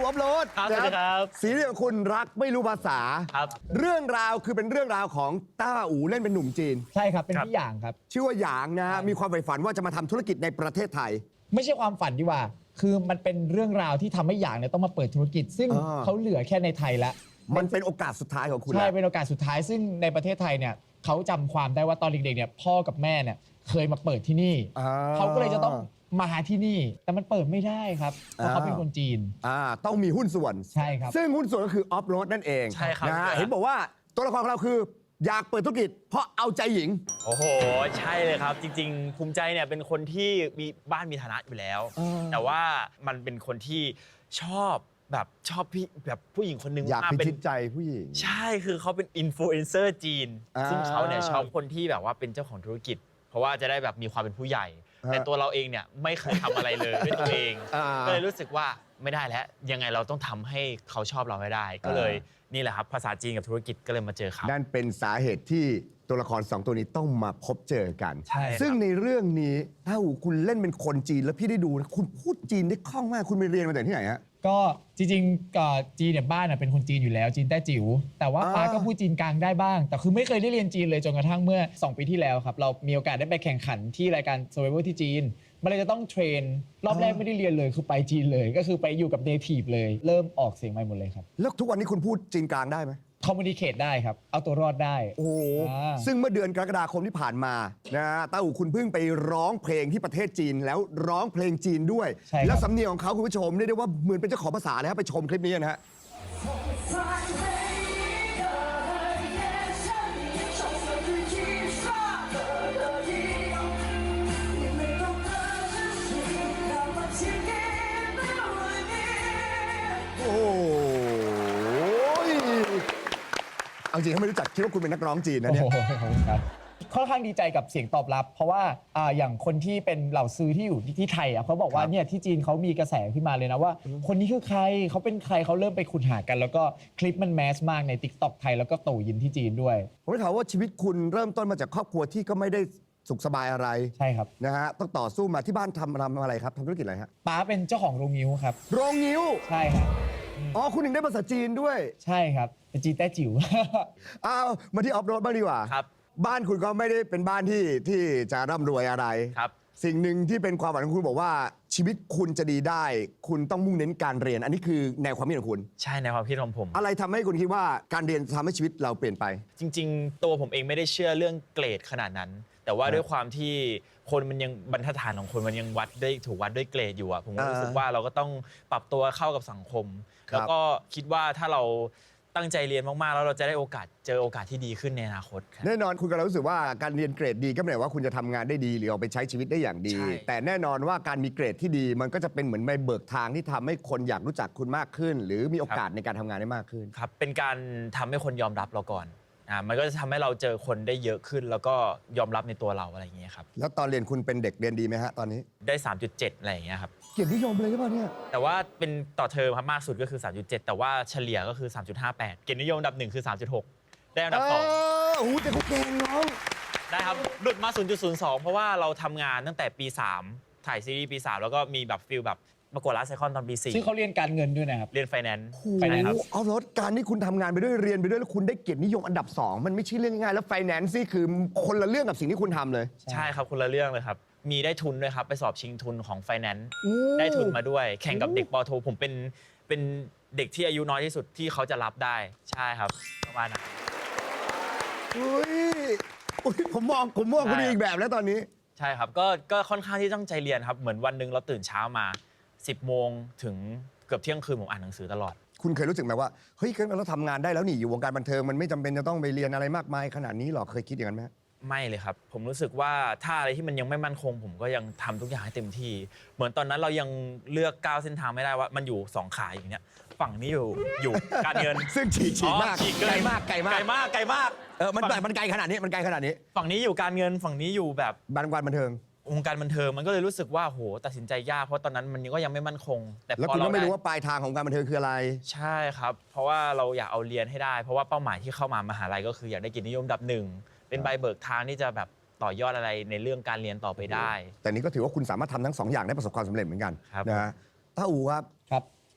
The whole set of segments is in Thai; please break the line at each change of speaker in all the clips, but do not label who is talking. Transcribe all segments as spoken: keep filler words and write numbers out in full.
อัพโหลด
ครับสวัสดีครับ
ซีรีส์ของคุณรักไม่รู้ภาษา
ครับ
เรื่องราวคือเป็นเรื่องราวของต้าอู๋เล่นเป็นหนุ่มจีน
ใช่ครับเป็นพี่หยางครับ
ชื่อว่าหยางนะฮะมีความใฝ่ฝันว่าจะมาทำธุรกิจในประเทศไทย
ไม่ใช่ความฝันดีกว่า คือมันเป็นเรื่องราวที่ทำให้หยางเนี่ยต้องมาเปิดธุรกิจ ซึ่ง
อ่า
เขาเหลือแค่ในไทยแล้ว
มันเป็นโอกาสสุดท้ายของคุณ
ใช่
แล้ว
เป็นโอกาสสุดท้ายซึ่งในประเทศไทยเนี่ยเขาจำความได้ว่าตอนเด็กๆเนี่ยพ่อกับแม่เนี่ยเคยมาเปิดที่นี่
อ่า
เขาก็เลยจะต้องมาหาที่นี่ แต่มันเปิดไม่ได้ครับเพราะเขาเป็น
อ้าว
คนจีน
อ่าต้องมีหุ้นส่วน
ใช่ครับ
ซึ่งหุ้นส่วนก็คือออฟโรดนั่นเอง
ใช่ครับ
นะฮะ
ใช่ครับ
เห็นบอกว่าตัวละครของเราคือ อยากเปิดธุรกิจ เพราะเอาใจหญิง
โอ้โห ใช่เลยครับ จริงๆ ภูมิใจเนี่ยเป็นคนที่มีบ้านมีฐานะอยู่แล้ว
เออ
แต่ว่ามันเป็นคนที่ชอบแบบชอบพี่แบบผู้หญิงคนหนึง
อยาก
ม
พิ
เป็น
ชิตใจผู้หญิง
ใช่คือเขาเป็นอินฟลูเอนเซอร์จีน
อ่า
ซึ่งเขาเนี่ยชอบคนที่แบบว่าเป็นเจ้าของธุรกิจ เพราะว่าจะได้แบบมีความเป็นผู้ใหญ่
ฮะ
แต่ตัวเราเองเนี่ยไม่เคยทำอะไรเลยด้วยตัวเอง
อ่า
ก็เลยรู้สึกว่าไม่ได้แล้วยังไงเราต้องทำให้เขาชอบเราให้ได้ ก็เลยนี่แหละครับภาษาจีนกับธุรกิจก็เลยมาเจอเขา
นั่นเป็นสาเหตุที่ตัวละครสองตัวนี้ต้องมาพบเจอกัน
ใช่ครับ
ซึ่งในเรื่องนี้ถ้าคุณเล่นเป็นคนจีนแล้วพี่ได้ดูนะคุณพูดจีนได้คล่องมากคุณไปเรียนมาจากที่ไหนฮะ
ก็จริงๆก็จีนเนี่ยบ้านน่ะเป็นคนจีนอยู่แล้วจีนแต้จิ๋วแต่ว่า
อ่า
ป้าก็พูดจีนกลางได้บ้าง แต่คือไม่เคยได้เรียนจีนเลยจนกระทั่งเมื่อสองปีที่แล้วครับเรามีโอกาสได้ไปแข่งขันที่รายการ Survivor ที่จีนมันเลยจะต้องเทรนรอบแรกไม่ได้เรียนเลยคือไปจีนเลย ก็คือไปอยู่กับเนทีฟเลยเริ่มออกเสียงใหม่หมดเลยครับ
แล้วทุกวันนี้คุณพูดจีนกลางได้ไหม
คอมมูนิเคตได้ครับเอาตัวรอดได้
โอ้โห
อ่า
ซึ่งเมื่อเดือนกรกฎาคมที่ผ่านมานะฮะต้าอู๋คุณเพิ่งไปร้องเพลงที่ประเทศจีนแล้วร้องเพลงจีนด้วย
ใช่ครับ
แล้วสำเนียงของเขาคุณผู้ชมเรียกได้ว่าเหมือนเป็นเจ้าของภาษาเลยครับไปชมคลิปนี้นะฮะ
在每一个夜深里，角色与一刷的热映，你没懂得珍惜，那么请给不你。
โอ้ยเอาจริงเขาไม่รู้จักคิดว่าคุณเป็นนักร้องจีนนะ
โอ้
เนี่ย
โหขอบคุณครับค่อนข้างดีใจกับเสียงตอบรับ เพราะว่าอ่าอย่างคนที่เป็นเหล่าซื้อที่อยู่ที่ที่ไทยอ่ะเขาบอกว่า
ครับ
เนี่ยที่จีนเขามีกระแสขึ้นมาเลยนะว่า คนนี้คือใครเขาเป็นใครเขาเริ่มไปขุดหากัน แล้วก็คลิปมันแมสมากใน ติ๊กต็อก ไทยแล้วก็โตยินที่จีนด้วย
ผมได้ข่าวว่าชีวิตคุณเริ่มต้นมาจากครอบครัวที่ก็ไม่ได้สุขสบายอะไร
ใช่ครับ
นะฮะต้องต่อสู้มาที่บ้านทำทำอะไรครับทำธุรกิจอะไรฮะ
ป้าเป็นเจ้าของโรงนิ้วครับ
โรงงิ้ว
ใช่ครับ
อ๋อคุณถึงได้ภาษาจีนด้วย
ใช่ครับเป็นจีนแต้จิ๋ว
เอามาที่ออฟโรดบ้างดีกว่า
ครับ
บ้านคุณก็ไม่ได้เป็นบ้านที่ที่จะร่ำรวยอะไร
ครับ
สิ่งหนึ่งที่เป็นความฝันของคุณบอกว่าชีวิตคุณจะดีได้ คุณต้องมุ่งเน้นการเรียน อันนี้คือแนวความคิดของคุณ
ใช่ในความคิดของผม
อะไรทำให้คุณคิดว่าการเรียนทำให้ชีวิตเราเปลี่ยนไป
จริงๆ ตัวผมเองไม่ได้เชื่อเรื่องเกรดขนาดนั้น แต่ว่า
ครับ
ด้วยความที่คนมันยังบรรทัดฐานของคนมันยังวัดได้ถูกวัดด้วยเกรดอยู่อะผมก็รู้สึก
อ่า
ว่าเราก็ต้องปรับตัวเข้ากับสังคม
ครับ
แล้วก็คิดว่าถ้าเราตั้งใจเรียนมากๆ แล้วเราจะได้โอกาสเจอโอกาสที่ดีขึ้นในอนาคตครับ
แน่นอนคุณกำลังรู้สึกว่าการเรียนเกรดดีก็ไม่ได้ว่าคุณจะทำงานได้ดี หรือเอาไปใช้ชีวิตได้อย่างดี
ใช่
แต่แน่นอนว่าการมีเกรดที่ดี มันก็จะเป็นเหมือนใบเบิกทางที่ทำให้คนอยากรู้จักคุณมากขึ้น หรือมีโอกาสในการทำงานได้มากขึ้น
ครับเป็นการทำให้คนยอมรับเราก่อนอ่ามันก็จะทำให้เราเจอคนได้เยอะขึ้น แล้วก็ยอมรับในตัวเราอะไรอย่างเงี้ยครับ
แล้วตอนเรียนคุณเป็นเด็กเรียนดีไหมฮะตอนนี้
ได้ สามจุดเจ็ด อะไรอย่างเงี้ยครับ
เกียรตินิยมเลยใช่ป่ะเนี่ย
แต่ว่าเป็นต่อเทอมครับมากสุดก็คือ สามจุดเจ็ด แต่ว่าเฉลี่ยก็คือ สามจุดห้าแปด เกียรตินิยมอันดับหนึ่งคือ สามจุดหก ได้อันดับสอง
เออโอ้โหแต่เขาเก่งน้อง
ได้ครับ หลุดมา ศูนย์จุดศูนย์สอง เพราะว่าเราทำงานตั้งแต่ปี สาม ถ่ายซีรีส์ปี สาม แล้วก็มีแบบฟิลแบบประกวดลาสไซคอนตอนปี สี่
ซึ่งเขาเรียนการเงินด้วยนะครับ
เรียนไฟแนนซ์
โอ้โห
ไฟแนนซ์ครับ
เอารถการที่คุณทำงานไปด้วยเรียนไปด้วยแล้วคุณได้เกียรตินิยมอันดับสองมันไม่ใช่เรื่องง่ายๆแล้วไฟแนนซ์นี่คือคนละเรื่องกับสิ่งที่คุณทำเลย
ใช่ครับคนละเรื่องเลยครับ มีได้ทุนด้วยครับ ไปสอบชิงทุนของไฟแนนซ์
โอ้
ได้ทุนมาด้วย แข่งกับเด็กปอโท ผมเป็นเป็นเด็กที่อายุน้อยที่สุดที่เขาจะรับได้ ใช่ครับประมาณนั้น
อุ้ยอุ๊ยผมมองผมมองคุณ
ใช่
อีกแบบแล้วตอนนี้
ใช่ครับ ก็ก็ค่อนข้างที่ตั้งใจเรียนครับ เหมือนวันหนึ่งเราตื่นเช้ามา สิบโมงถึงเกือบเที่ยงคืนผมอ่านหนังสือตลอด
คุณเคยรู้สึกไหมว่าเฮ้ยเราทำงานได้แล้วนี่อยู่วงการบันเทิงมันไม่จำเป็นจะต้องไปเรียนอะไรมากมายขนาดนี้หรอเคยคิดอย่างนั้นไหม
ไม่เลยครับ ผมรู้สึกว่าถ้าอะไรที่มันยังไม่มั่นคง ผมก็ยังทำทุกอย่างให้เต็มที่ เหมือนตอนนั้นเรายังเลือกก้าวเส้นทางไม่ได้ว่ามันอยู่สองขาอย่างเนี้ยฝั่งนี้อยู่อยู่การเงิน
ซึ่งฉีกฉีกมาก
อ๋อฉีกเน
ไกลมากไกลมาก
ไกลมากไกลมาก
เออมัน
ฝั่ง
มันไกลขนาดนี้มันไกลขนาดนี้
ฝั่งนี้อยู่การเงินฝั่งนี้อยู่แบบ
บันการบันเทิง
วงการบันเทิงมันก็เลยรู้สึกว่าโหตัดสินใจยากเพราะตอนนั้นมันก็ยังไม่มั่นคง แต่
แล้ว
พอ
คุณ
เรา
ก็ไม่รู้
ด้
ว่าปลายทางของการบันเทิงคืออะไร
ใช่ครับ เพราะว่าเราอยากเอาเรียนให้ได้ เพราะว่าเป้าหมายที่เข้ามามหาลัยก็คืออยากได้เกียรตินิยมอันดับหนึ่งเป็นใบเบิกทางที่จะแบบต่อยอดอะไรในเรื่องการเรียนต่อไปได้
แต่นี้ก็ถือว่าคุณสามารถทำทั้งสองอย่างได้ประสบความสำเร็จเหมือนกัน
ครับ
นะฮะต้าอูครับ
ครับ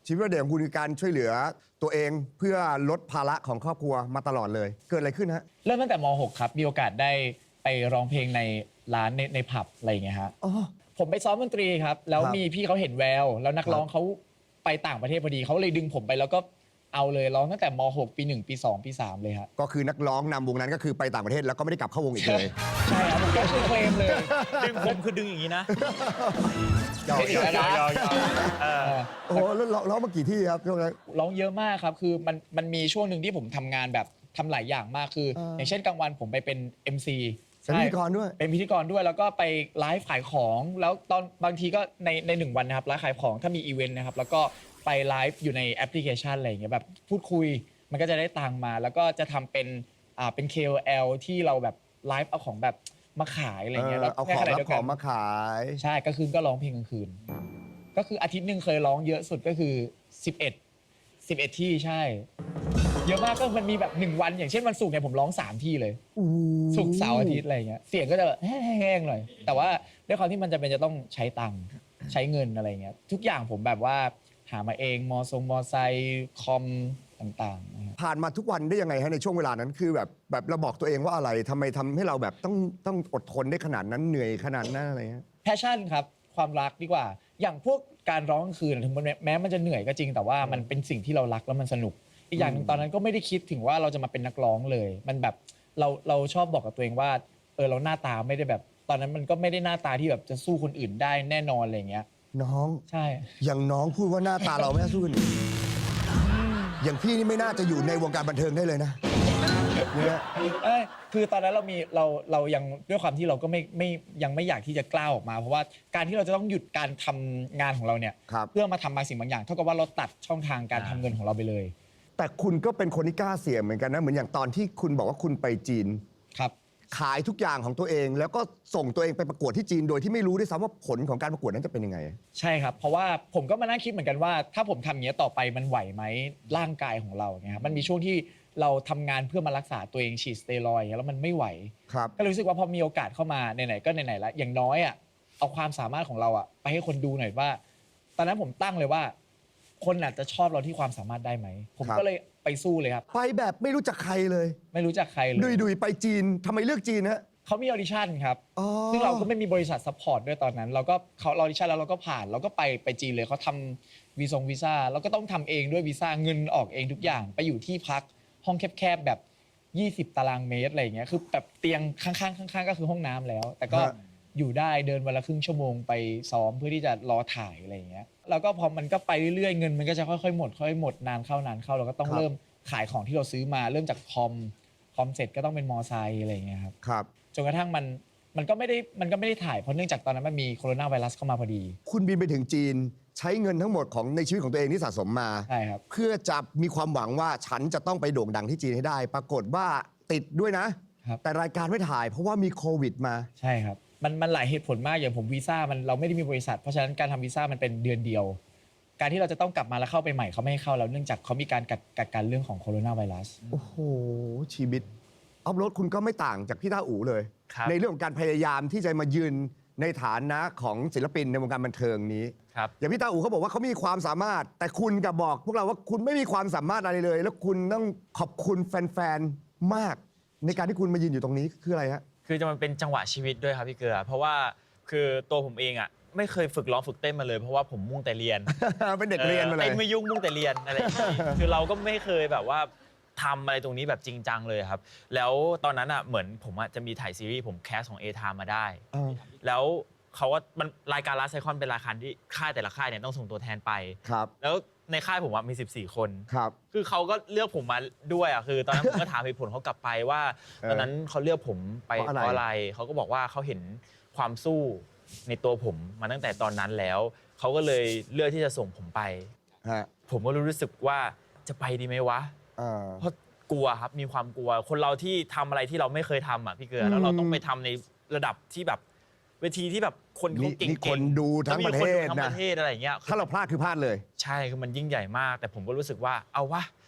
ชีวิตวัยเด็กของคุณคือการช่วยเหลือตัวเองเพื่อลดภาระของครอบครัวมาตลอดเลย เกิดอะไรขึ้นฮะ
เริ่มตั้งแต่ม หก ครับ มีโอกาสได้ไปร้องเพลงในร้านในในผับอะไรอย่างเงี้ยฮะ
อ๋อ
ผมไปซ้อมดนตรีครับ แล้ว
ครับ
มีพี่เขาเห็นแวว แล้วนักร้องเขาไปต่างประเทศพอดีเขาเลยดึงผมไปแล้วก็เอาเลยร้องตั้งแต่ม หก ปี หนึ่ง ปี สอง ปี สาม เลยครับ
ก็คือนักร้องนำวงนั้นก็คือไปต่างประเทศแล้วก็ไม่ได้กลับเข้าวงอีกเลย
ใช่ครับผมก็ชื่อเคลมเลย
ดึงผมคือดึงอย่างนี้นะ
ยาว
ไม่ถึงแล้วนะ
ยาวๆเออ
โอ้โหแล้วร้องร้องมากี่ที่ครับช่วงนั้น
ร้องเยอะมากครับ คือมันมันมีช่วงหนึ่งที่ผมทำงานแบบทำหลายอย่างมาก คือ
เออ
อ
อ
ย่างเช่นกลางวันผมไปเป็น เอ็ม ซี
เป็นพิธีกรด้วย
เป็นพิธีกรด้วย แล้วก็ไปไลฟ์ขายของ แล้วตอนบางทีก็ในในหนึ่งวันนะครับไลฟ์ขายของถ้ามีอีเวนต์นะครับ แล้วก็ไปไลฟ์อยู่ในแอปพลิเคชันอะไรอย่างเงี้ยแบบพูดคุย มันก็จะได้ตังค์มา แล้วก็จะทำเป็นอ่าเป็น เค โอ แอล ที่เราแบบไลฟ์เอาของแบบมาขายอะไรอย่างเงี้ย
เอ
แล้ว
อเอา
ใน
ของ
ขณะ
รับ
เดียว
ข
กั
อน งมาขาย
ใช่กลางคืนก็ร้องเพลงกลางคืน ก็คืออาทิตย์หนึ่งเคยร้องเยอะสุดก็คือสิบเอ็ด สิบเอ็ดที่ใช่ เยอะมากก็มันมีแบบหนึ่งวันอย่างเช่นวันศุกร์เนี่ยผมร้องสามที่เลย ศุกร์เสาร์อาทิตย์อะไรอย่างเงี้ยเสียงก็จะแบบแห้งๆหน่อย แต่ว่าด้วยความที่มันจะเป็นจะต้องใช้ตังค์ใช้เงินอะไรเงี้ยทุกอย่างผมแบบว่าหามาเองมอทรงมอไซค์คอมต่างๆนะครับ
ผ่านมาทุกวันได้ยังไงฮะในช่วงเวลานั้นคือแบบแบบเราบอกตัวเองว่าอะไรทำไมทำให้เราแบบต้องต้องอดทนได้ขนาดนั้นเหนื่อยขนาดนั้นอะไรเงี้ย
แพชชั่นครับความรักดีกว่า อย่างพวกการร้องกลางคืนถึงแม้มันจะเหนื่อยก็จริงแต่ว่ามันเป็นสิ่งที่เรารักแล้วมันสนุก อีกอย่างหนึ่งตอนนั้นก็ไม่ได้คิดถึงว่าเราจะมาเป็นนักร้องเลย มันแบบเราเราชอบบอกกับตัวเองว่าเออเราหน้าตาไม่ได้แบบ ตอนนั้นมันก็ไม่ได้หน้าตาที่แบบจะสู้คนอื่นได้แน่นอนอะไรอย่างเงี้ย
น้อง
ใช่
อย่างน้องพูดว่าหน้าตาเราไม่น่าสู้กันอีกอย่างพี่นี่ไม่น่าจะอยู่ในวงการบันเทิงได้เลยนะเนี่ย
เอ้ยคือตอนนั้นเรามีเราเรายังด้วยความที่เราก็ไม่ไม่ยังไม่อยากที่จะกล้าออกมา เพราะว่าการที่เราจะต้องหยุดการทำงานของเราเนี่ย
ครับ
เพื่อมาทำบางสิ่งบางอย่างเท่ากับว่าเราตัดช่องทางการทำเงินของเราไปเลย
แต่คุณก็เป็นคนที่กล้าเสี่ยงเหมือนกันนะเหมือนอย่างตอนที่คุณบอกว่าคุณไปจีน
ครับ
ขายทุกอย่างของตัวเอง แล้วก็ส่งตัวเองไปประกวดที่จีนโดยที่ไม่รู้ด้วยซ้ำว่าผลของการประกวดนั้นจะเป็นยังไง
ใช่ครับ เพราะว่าผมก็มานั่งคิดเหมือนกันว่า ถ้าผมทำอย่างนี้ยต่อไปมันไหวไหมร่างกายของเราเนี่ยครับมันมีช่วงที่เราทำงานเพื่อมารักษาตัวเองฉีดสเตียรอยด์อย่างเงี้ยแล้วมันไม่ไหว
ครับ
ก็เลยรู้สึกว่าพอมีโอกาสเข้ามาไหนๆก็ไหนๆแล้วอย่างน้อยอ่ะเอาความสามารถของเราอ่ะไปให้คนดูหน่อยว่า ตอนนั้นผมตั้งเลยว่า คนอาจจะชอบเราที่ความสามารถได้ไหมผม
ครับ
ก็เลยไปสู้เลยครับ
ไปแบบไม่รู้จักใครเลย
ไม่รู้จักใครเลย
ดุยดุยๆไปจีนทำไมเลือกจีนฮะ
เขามีออดิชั่นครับ
อ๋อ
ซึ่งเราก็ไม่มีบริษัทซัพพอร์ตด้วยตอนนั้น เราก็เขาออดิชั่นแล้วเราก็ผ่านเราก็ไปไปจีนเลยเขาทำวีซงวีซ่าเราก็ต้องทำเองด้วยวีซ่าเงินออกเองทุกอย่างไปอยู่ที่พักห้องแคบๆแบบ ยี่สิบ ตารางเมตรอะไรอย่างเงี้ยคือแบบเตียงข้างๆข้างๆก็คือห้องน้ำแล้ว แต่ก็อยู่ได้เดินวันละครึ่งชั่วโมงไปซ้อมเพื่อที่จะรอถ่ายอะไรอย่างเงี้ยแล้วก็พอมันก็ไปเรื่อยๆเงินมันก็จะค่อยๆหมดค่อยๆหมดนานเข้านานเข้าเราก็ต้องเริ่มขายของที่เราซื้อมาเริ่มจากคอมคอมเสร็จก็ต้องเป็นมอไซค์อะไรอย่างเงี้ยครับ
ครับ
จนกระทั่งมันมันก็ไม่ได้มันก็ไม่ได้ถ่ายเพราะเนื่องจากตอนนั้นมันมีโคโรนาไวรัสเข้ามาพอดี
คุณบินไปถึงจีนใช้เงินทั้งหมดของในชีวิตของตัวเองที่สะสมมา
ใช่ครับ
เพื่อจะมีความหวังว่าฉันจะต้องไปโด่งดังที่จีนให้ได้ ปรากฏว่าติดด้วยนะ
ครับ
แต่รายการไม่ถ่ายเพราะว่ามีโควิดมา
ใช่ครับมันมันหลายเหตุผลมากอย่างผมวีซ่ามันเราไม่ได้มีบริษัท เพราะฉะนั้นการทำวีซ่ามันเป็นเดือนเดียว การที่เราจะต้องกลับมาแล้วเข้าไปใหม่เขาไม่ให้เข้าแล้วเนื่องจากเขามีการกัดกักกันเรื่องของโคโรนาไวรัส
โอ้โห ชีวิตออฟโรดคุณก็ไม่ต่างจากพี่ต้าอู๋เลย
ครับ
ในเรื่องของการพยายามที่จะมายืนในฐานะของศิลปินในวงการบันเทิงนี้
ครับ
อย่างพี่ต้าอู๋เขาบอกว่าเขามีความสามารถ แต่คุณกลับบอกพวกเราว่าคุณไม่มีความสามารถอะไรเลย แล้วคุณต้องขอบคุณแฟนๆ มาก ในการที่คุณมายืนอยู่ตรงนี้คืออะไรฮะ
คือจะมันเป็นจังหวะชีวิตด้วยครับพี่เกลือ เพราะว่าคือตัวผมเองอ่ะไม่เคยฝึกร้องฝึกเต้นมาเลยเพราะว่าผมมุ่งแต่เรียน
เป็นเด็กเรียนมาเลย
เต้นไม่ยุ่งมุ่งแต่เรียนอะไรอย่างงี้ คือเราก็ไม่เคยแบบว่าทำอะไรตรงนี้แบบจริงจังเลยครับ แล้วตอนนั้นอ่ะเหมือนผมอ่ะจะมีถ่ายซีรีส์ผมแคสของ A-Time มาได้ แล้วเขาว่ามันรายการลาไซคอนเป็นรายการที่ค่ายแต่ละค่ายเนี่ยต้องส่งตัวแทนไป
ครับ
แล้วในค่ายผมอะมีสิบสี่คน
ครับ
คือเขาก็เลือกผมมาด้วยอ่ะคือตอนนั้น ผมก็ถามเหตุผลเขากลับไปว่า
เออ
ตอนนั้นเขาเลือกผมไป
เพราะอะไร
เพราะอะไรเขาก็บอกว่าเขาเห็นความสู้ในตัวผมมาตั้งแต่ตอนนั้นแล้วเขาก็เลยเลือกที่จะส่งผมไป
ฮะ
ผมก็รู้สึกว่าจะไปดีไหมวะ
อ่า
เพราะกลัวครับมีความกลัว คนเราที่ทำอะไรที่เราไม่เคยทำอ่ะพี่เกลือแล้วเราต้องไปทำในระดับที่แบบเวทีที่แบบคนเขาเก่งๆ
นี่คนดูทั้งประเทศ
แล้วมีคนดูทั้ง
นะ
ประเทศอะไรอย่างเงี้ย
ถ้าเราพลาดคือพลาดเลย
ใช่คือมันยิ่งใหญ่มาก แต่ผมก็รู้สึกว่าเอาวะ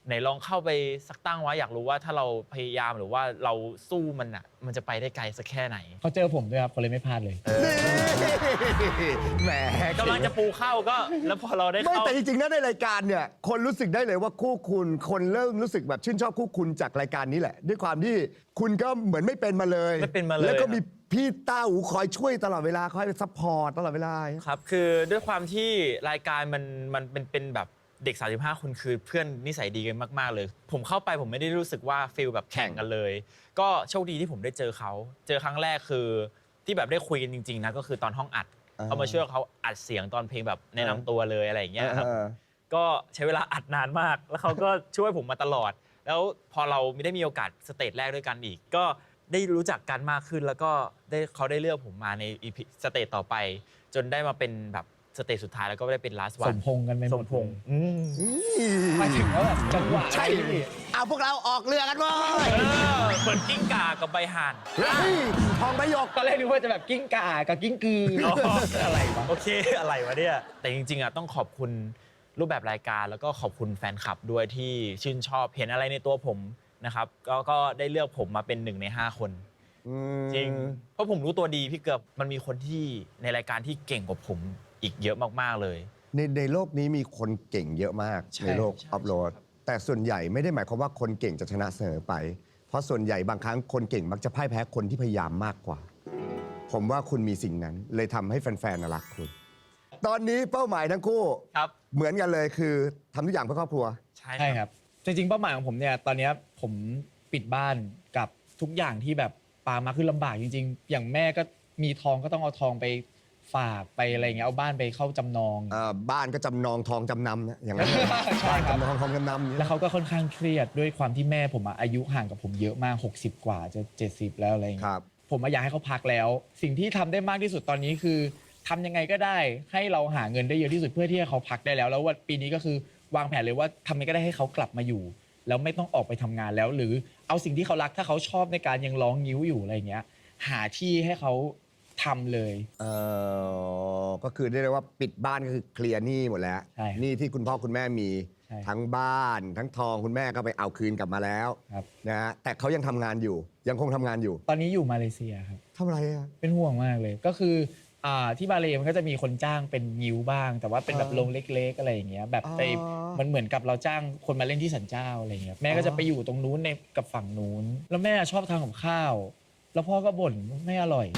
ไหนลองเข้าไปสักตั้งไว้อยากรู้ว่าถ้าเราพยายามหรือว่าเราสู้มันอ่ะมันจะไปได้ไกลสักแค่ไหน
เขาเจอผมด้วยครับเขาเลยไม่พลาดเลย
นี่แหม
กำลังจะปูเข้าก็ แล้วพอเราได้
ไม่
เข้า
แต่จริงๆนะในรายการเนี่ยคนรู้สึกได้เลยว่าคู่คุณคนเริ่มรู้สึกแบบชื่นชอบคู่คุณจากรายการนี้แหละ ด้วยความที่คุณก็เหมือนไม่เป็นมาเลย
ไม่เป็นมาเลย
แล้วก็
ครับ
มีพี่ต้าอูคอยช่วยตลอดเวลาคอยซัพพอร์ตตลอดเวลา
ครับคือด้วยความที่รายการมันมันเป็นเป็นแบบเด็ก สามสิบห้า คนคือเพื่อนนิสัยดีกันมาก ๆ เลย ผมเข้าไปผมไม่ได้รู้สึกว่าฟีลแบบแข่งกันเลย ก็โชคดีที่ผมได้เจอเขา เจอครั้งแรกคือที่แบบได้คุยกันจริง ๆ นะ ก็คือตอนห้องอัด
อ่า
เขามาช่วยเขาอัดเสียงตอนเพลงแบบแนะนำตัวเลยอะไรอย่างเงี้ยครับ
เออ
ก็ใช้เวลาอัดนานมาก แล้วเขาก็ช่วยผมมาตลอด แล้วพอเราไม่ได้มีโอกาสสเตจแรกด้วยกันอีก ก็ได้รู้จักกันมากขึ้น แล้วก็ได้เขาได้เลือกผมมาในอีพีสเตจต่อไป จนได้มาเป็นแบบสเตจสุดท้ายแล้วก็ได้เป็น last
ส
one
มพงษ์กันไปห
ส
ม
ม
ด
พงษ์อืม
หมายถึงว่าแบบจังหวะ
ใช่เอาพวกเราออกเรือกันเว้ย
เออเหมือนกิ้งก่ากับใบห่าน
เฮ้ยทองใบหยก
ตอนแรกนึกว่าจะแบบกิ้งก่ากับกิ้งกืออะไรวะ
โอเคอะไรวะเนี่ย แต่จริงๆอ่ะต้องขอบคุณรูปแบบรายการแล้วก็ขอบคุณแฟนคลับด้วยที่ชื่นชอบเห็นอะไรในตัวผมนะครับก็ก็ได้เลือกผมมาเป็นหนึ่งในห้าคน จริง เพราะผมรู้ตัวดีพี่เกือบมันมีคนที่ในรายการที่เก่งกว่าผมอีกเยอะมากๆเลย
ในในโลกนี้มีคนเก่งเยอะมาก
ใช่
ในโลก
ใช่
อัพโหลด แต่ส่วนใหญ่ไม่ได้หมายความว่าคนเก่งจะชนะเสมอไป เพราะส่วนใหญ่บางครั้งคนเก่งมักจะพ่ายแพ้คนที่พยายามมากกว่า ผมว่าคุณมีสิ่งนั้น เลยทำให้แฟนๆน่ะรักคุณ ตอนนี้เป้าหมายทั้งคู่
ครับ
เหมือนกันเลยคือทำทุกอย่างเพื่อครอบครัว
ใช่
ใช่ครับ จริงๆเป้าหมายของผมเนี่ยตอนเนี้ยผมปิดบ้านกับทุกอย่างที่แบบปามาคือลำบากจริง ๆ อย่างแม่ก็มีทองก็ต้องเอาทองไปฝากไปอะไรอย่างเงี้ยเอาบ้านไปเข้าจำนอง
อ่าบ้านก็จำนองทองจำนำนะอย่างนั้น
ใช่
บ้าน
ครับ
จำนองทองจำนำ
แล้วเขาก็ค่อนข้างเครียดด้วยความที่แม่ผมอะอายุห่างกับผมเยอะมากหกสิบกว่าจะเจ็ดสิบแล้วอะไรอย่าง
ค
เงี้ย
รับ
ผมอะอยากให้เขาพักแล้ว สิ่งที่ทำได้มากที่สุดตอนนี้คือทำยังไงก็ได้ให้เราหาเงินได้เยอะที่สุดเพื่อที่ให้เขาพักได้แล้ว แล้วว่าปีนี้ก็คือวางแผนเลยว่าทำยังไงก็ได้ให้เขากลับมาอยู่ แล้วไม่ต้องออกไปทำงานแล้ว หรือเอาสิ่งที่เขารักถ้าเขาชอบในการยังร้องงิ้วอยู่อะไรอย่างเงี้ยหาที่ให้เขาทำเลย
เอ่อก็คือได้เรียกว่าปิดบ้านก็คือเคลียร์หนี้หมดแล้ว
ใช่ครับ
หนี้ที่คุณพ่อคุณแม่มี
ใช่
ทั้งบ้าน ทั้งทองคุณแม่ก็ไปเอาคืนกลับมาแล้ว
ครับ
นะฮะแต่เขายังทำงานอยู่ ยังคงทำงานอยู่
ตอนนี้อยู่มาเลเซียครับ
ทำอะไรอ่ะ
เป็นห่วงมากเลย ก็คืออ่าที่มาเลมันก็จะมีคนจ้างเป็นงิ้วบ้าง แต่ว่าเป็นแบบ
อ่า
โรงเล็กๆอะไรอย่างเงี้ยแบบไป
อ๋อ
มันเหมือนกับเราจ้างคนมาเล่นที่สันเจ้าอะไรเงี้ยแม่ก็จะไปอยู่ตรงนู้นในกับฝั่งนู้น แล้วแม่ชอบทำกับข้าว แล้วพ่อก็บ่นว่าไม่อร่อย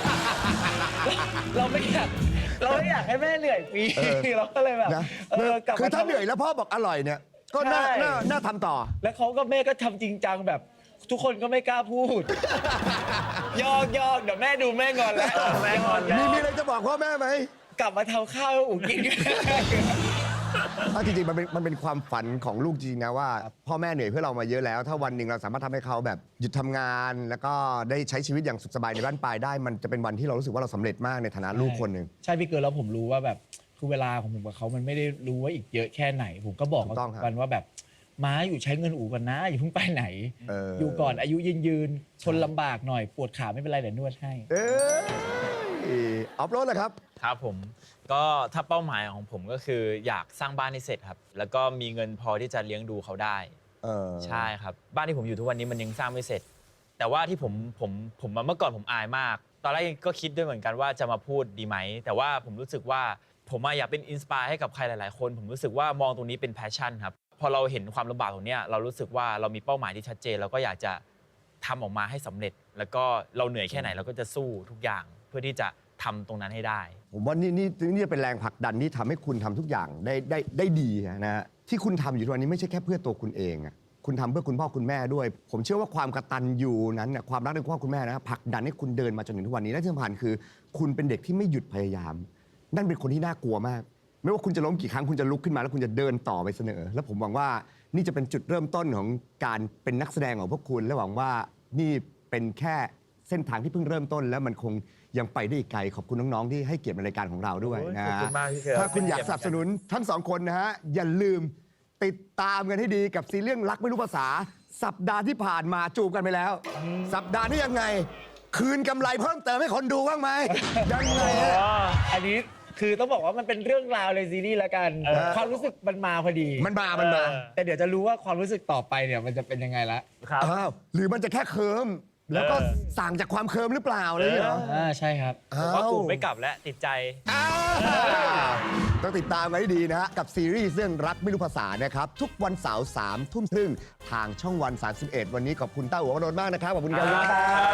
เราไม่อยากเราไม่อยากให้แม่เหนื่อยฟรี
เออ
เราก็เลยแบบ
นะ
เออกลับ
คือ
มา
ถ้า
ทำ
เหนื่อยแล้วพ่อบอกอร่อยเนี่ย ก็น่า
ใช่
น่าน่าทำต่อ
แล้วเขาก็แม่ก็ทำจริงจังแบบ ทุกคนก็ไม่กล้าพูด ยอกยอกเดี๋ยวแม่ดูแม่งอนแล้ว
แม่งอนแล้ว
มีมีอะไรจะบอกพ่อแม่ไหม
กลับมาทำข้าวให้อูกิน
อ่ะจริงๆมันเป็นมันเป็นความฝันของลูกจริงๆนะว่า พ่อแม่เหนื่อยเพื่อเรามาเยอะแล้ว ถ้าวันหนึ่งเราสามารถทำให้เขาแบบหยุดทำงาน แล้วก็ได้ใช้ชีวิตอย่างสุขสบายในบ้านปลายได้ มันจะเป็นวันที่เรารู้สึกว่าเราสำเร็จมากในฐานะลูกคนหนึ่ง
ใช่พี่เกิร์ลแล้วผมรู้ว่าแบบคือเวลาของผมกับเขามันไม่ได้รู้ว่าอีกเยอะแค่ไหน ผมก็บอก
ถูกต้องครับ
กันว่าแบบม้าอยู่ใช้เงินอู่ก่อนนะอย่าเพิ่งไปไหน
เอออ
อยู่ก่อนอายุยืนยืนๆทนลำบากหน่อยปวดขาไม่เป็นไรเดี๋ยวนวดให้
เออออฟโรดเลยครับ
ครับผมก็ถ้าเป้าหมายของผมก็คืออยากสร้างบ้านให้เสร็จครับ แล้วก็มีเงินพอที่จะเลี้ยงดูเขาได้
เออ
ใช่ครับบ้านที่ผมอยู่ทุกวันนี้มันยังสร้างไม่เสร็จ แต่ว่าที่ผมผมผมเมื่อก่อนผมอายมาก ตอนแรกก็คิดด้วยเหมือนกันว่าจะมาพูดดีไหม แต่ว่าผมรู้สึกว่าผมอะอยากเป็นอินสปายให้กับใครหลาย ๆ คน ผมรู้สึกว่ามองตรงนี้เป็นแพชชั่นครับพอเราเห็นความลำบากตรงเนี้ยเรารู้สึกว่าเรามีเป้าหมายที่ชัดเจนเราก็อยากจะทำออกมาให้สำเร็จ แล้วก็เราเหนื่อยแค่ไหนเราก็จะสู้ทุกอย่างเพื่อที่จะทำตรงนั้นให้ได้
ผมว่านี่นี่นี่เป็นแรงผลักดันที่ทำให้คุณทำทุกอย่างได้ได้ได้ดีนะฮะที่คุณทำอยู่ทุกวันนี้ไม่ใช่แค่เพื่อตัวคุณเองอะคุณทำเพื่อคุณพ่อคุณแม่ด้วย ผมเชื่อว่าความกตัญญูนั้นน่ะความรักในคุณพ่อคุณแม่นะผลักดันให้คุณเดินมาจนถึงทุกวันนี้และที่สำคัญคือ คุณเป็นเด็กที่ไม่หยุดพยายาม นั่นเป็นคนที่น่ากลัวมาก ไม่ว่าคุณจะล้มกี่ครั้งคุณจะลุกขึ้นมาแล้วคุณจะเดินต่อไปเสนอ แล้วผมหวังว่านี่จะเป็นจุดเริ่มต้นของการเป็นนักแสดงของพวกคุณและหวังว่านี่เป็นแค่เส้นทางที่เพิ่งเริ่มต้น แล้วมันคงยังไปได้อีกไกลขอบคุณน้องๆที่ให้เกียรติในรายการของเราด้วยนะ
ขอบคุณมากพี่เกิร์ล
ถ้าคุณอยากสนับสนุนทั้งสองคนนะฮะอย่าลืมติดตามกันให้ดีกับซีรีส์เรื่องรักไม่รู้ภาษา สัปดาห์ที่ผ่านมาจูบกันไปแล้ว สัปดาห์นี้ยังไง คืนกำไรเพิ่มเติมให้คนดูบ้างไหมยังไงฮะ
อันนี้คือต้องบอกว่ามันเป็นเรื่องราวในซีรีส์ละกัน
เออ
ความรู้สึกมันมาพอดี
มันมา มันมา
เออ
แต่เดี๋ยวจะรู้ว่าความรู้สึกต่อไปเนี่ยมันจะเป็นยังไงละ
ครับ
อ้าวหรือมันจะแค่เคิมแล้วก็
เออ
สั่งจากความเคิมหรือเปล่าอะไรอย่างเงี้ยเหรอ
อ่าใช่ครับ
ผมว่ากูไม่กลับแล้วติดใจ
อ้าวต้องติดตามไว้ให้ดีนะฮะ กับซีรีส์เรื่องรักไม่รู้ภาษานะครับ ทุกวันเสาร์สามทุ่มครึ่งทางช่องวัน สามสิบเอ็ด วันนี้ขอบคุณต้าหัวกระโดนมากนะครับ ขอบคุณครับ